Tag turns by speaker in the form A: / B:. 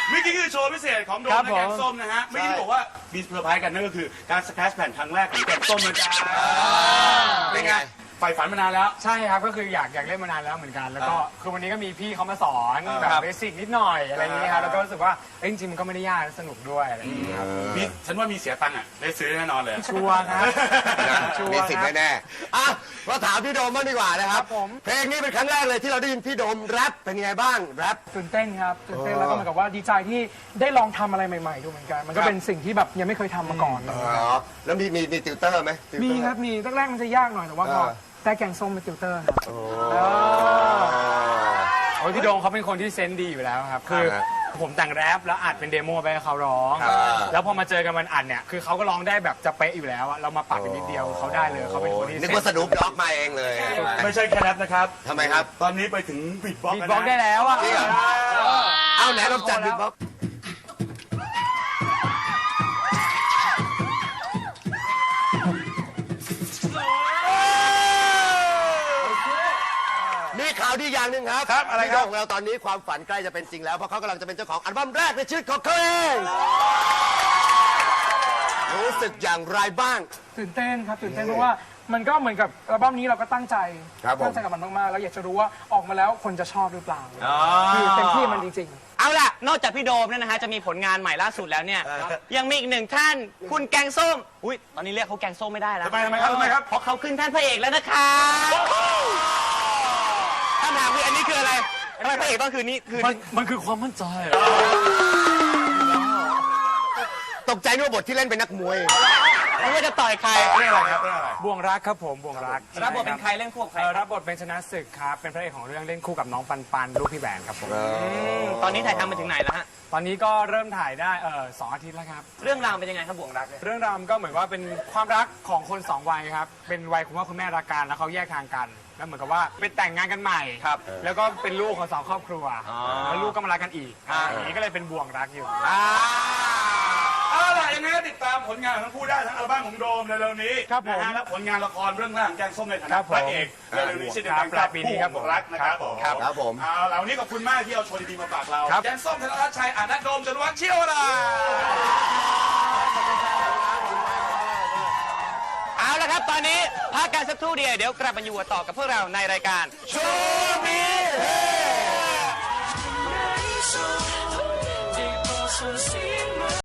A: เมื่อกี้คือโชว์พิเศษของโดมและแกงส้มนะฮะเมื่อกี้บอกว่ามีเซอร์ไพรส์กันนั่นก็คือการสแครชแผ่นครั้งแรกของแกงส้มนะจ๊ะเป็นไงใฝ่ฝันมานานแล้ว
B: ใช่ครับก็คืออยากเล่นมานานแล้วเหมือนกันแล้วก็คือวันนี้ก็มีพี่เขามาสอนแบบเบสิกนิดหน่อยอะไรอย่างนี้ครับแล้วก็รู้สึกว่าจริงๆมันก็ไม่ได้ยากสนุกด้วยอะไรอย่างนี้ครับ
A: ฉันว่ามีเสียตังค์อ่ะได้ซื้อแน่นอนเลย
B: ชัวร์ครับชัว
C: มี
B: ร์
C: สิทธิ์
B: ครับ
C: แน่ๆอ่ะมาถามพี่โดมบ้างดีกว่านะครับ
B: ครับผม
C: เพลงนี้เป็นครั้งแรกเลยที่เราได้ยินพี่โดมแรปเป็นยังไงบ้างแรป
D: ตื่นเต้นครับตื่นเต้นแล้วก็เหมือนกับว่าดีใจที่ได้ลองทำอะไรใหม่ๆดูเหมือนกันมันก็เป็นสิ่งที่แบบยังไม่เคยทำมาก่อน
C: แล้วมีติวเตอร์ไหมติวเตอ
D: มีครับมีแรกๆมันจะยากหน่อยแต่ว่าพอได้แกงส้มเป็นติวเตอร์ครับ
B: โอ้ยพี่โดงเขาเป็นคนที่เซนส์ดีอยู่แล้วครับคือผมแต่งแรปแล้วอัดเป็นเดโมไปให้เขาร้อง แล้วพอมาเจอกันวันอัดเนี่ยคือเขาก็ร้องได้แบบจะเป๊ะอยู่แล้วอะเรามาปรับกันนิดเดียวเขาได้เลยเขาเป็นคนที่
C: นึกว่าสนุปด็อกมาเองเลย
A: ไม่ใช่แค่แรปนะครับ
C: ทำไมครับ
A: ตอนนี้ไปถึงบีทบ็อกซ์
B: บีทบ็อกซ์ได้แล้วอะ
C: จริงเหรอ เอาไหนลองจัดบิทบ็อกซ์มีข่าวดีอย่างหนึ่งครับ
A: ครับอะไร
C: พี่
A: ค
C: โด
A: รับ
C: มของเราตอนนี้ความฝันใกล้จะเป็นจริงแล้วเพราะเขากำลังจะเป็นเจ้าของอัลบั้มแรกในชีวิตของเขาเองรู้สึกอย่างไรบ้าง
D: ตื่นเต้นครับตื่นเต้นเพราะว่ามันก็เหมือนกับอัลบั้มนี้เราก็ตั้งใจ
C: ครับผม
D: ตั้งใจกับมันมากๆแล้วอยากจะรู้ว่าออกมาแล้วคนจะชอบหรือเปล่าคือเต็มที่มันจริงๆ
E: เอาล่ะ นอกจากพี่โดมเนี่ยนะฮะจะมีผลงานใหม่ล่าสุดแล้วเนี่ย ยังมีอีกหนึ่งท่าน คุณแกงส้ม อุ้ยตอนนี้เรียกเขาแกงส้มไม่ได้แล้ว
A: ทำไมครับ
E: เพราะเขาขึ้นท่านพระเอกแล้วนะคะคำถามคืออันนี้คืออะไรทำไมพระเอกต้องคือนี่คือ
B: มันคือความมั่นใจ
C: ตกใจนึกว่าบทที่เล่นเป็นนักมวย
E: ไม่ว่าจะต่อยใคร
A: เรื่องอะไรครับเรื่องอะไร
B: บ่วงรักครับผมบ่วงรัก
E: รับบทเป็นใครเล่นคู่กับใคร
B: รับบทเป็นชนะศึกครับเป็นพระเอกของเรื่องเล่นคู่กับน้องปันปันลูกพี่แหวนครับผม
E: ตอนนี้ถ่ายทำมาถึงไหนแล้วฮะ
B: ตอนนี้ก็เริ่มถ่ายได้2 อาทิตย์แล้วครับ
E: เรื่องราวเป็นยังไงครับบ่วงรักเนี่ย
B: เรื่องราวมันก็เหมือนว่าเป็นความรักของคนสองวัยครับเป็นวัยคุณพ่อคุณแม่รักกันแล้วเขาแยกทางกันแล้วเหมือนกับว่าไปแต่งงานกันใหม่ครับแล้วก็เป็นลูกของ2 ครอบครัวแล้วลูกก็มารักกันอีกอย่างนี้ก็เลยเป็นบ่วงรักอยู่
A: เอาล่ะยังไงก็ติดตามผลงานของทั้งคู่ได้ทั้งอัลบั้มของโดมเร็วๆนี้
B: ครับผม
A: นะฮะและผลงานละครเรื่องแรกของแกงส้มในฐา
B: ครั
A: นะ
B: บ
A: พ
B: ผม
A: ระเอกเร็วๆนี้เช่นเดียวกัน
B: ปลายปีนี้ครับผม
A: รักนะครับผม
C: ครับผม
A: เอาล่ะวันนี้ขอบคุณมากที่เอาโชว์ดีๆมาฝากเรา
B: ครับ
A: แกงส้มธนรัชชัยอานัทโดมจตุวัฒน์เชี่ยวรา
E: เอาละครับตอนนี้พักกันสักครู่เดียวเดี๋ยวกลับมาอยู่กันต่อกับพวกเราในรายการโชว์มีเฮ
F: Deep ocean sea